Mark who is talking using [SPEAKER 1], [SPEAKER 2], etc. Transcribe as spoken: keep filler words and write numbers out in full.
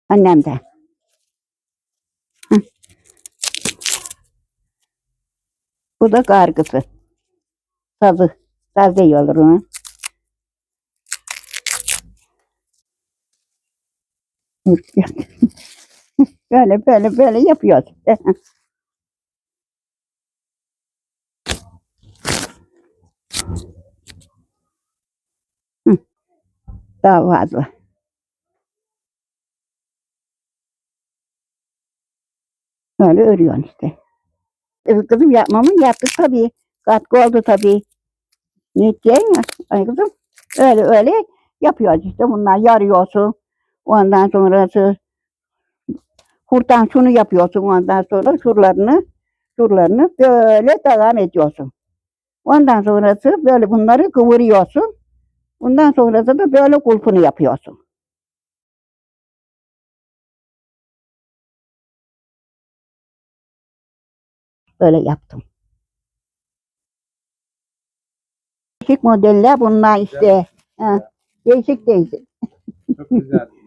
[SPEAKER 1] Annem de. Hı. Bu da kargısı. Sazı. Saz diyorlar onu. Böyle böyle böyle yapıyoruz. Hı. Daha fazla. Böyle örüyorsun işte. E, Kızım yapmamın yaptık tabii. Katkı oldu tabii. Ne diyeyim ya? Ay kızım. Öyle öyle yapıyoruz işte. Bunlar yarıyorsun. Ondan sonrası kurtan şunu yapıyorsun. Ondan sonra şuralarını şuralarını böyle devam ediyorsun. Ondan sonrası böyle bunları kıvırıyorsun. Ondan sonrası da böyle kulpunu yapıyorsun. Böyle yaptım. Değişik modeller bunlar işte. Ha, değişik değişik.
[SPEAKER 2] Çok güzel.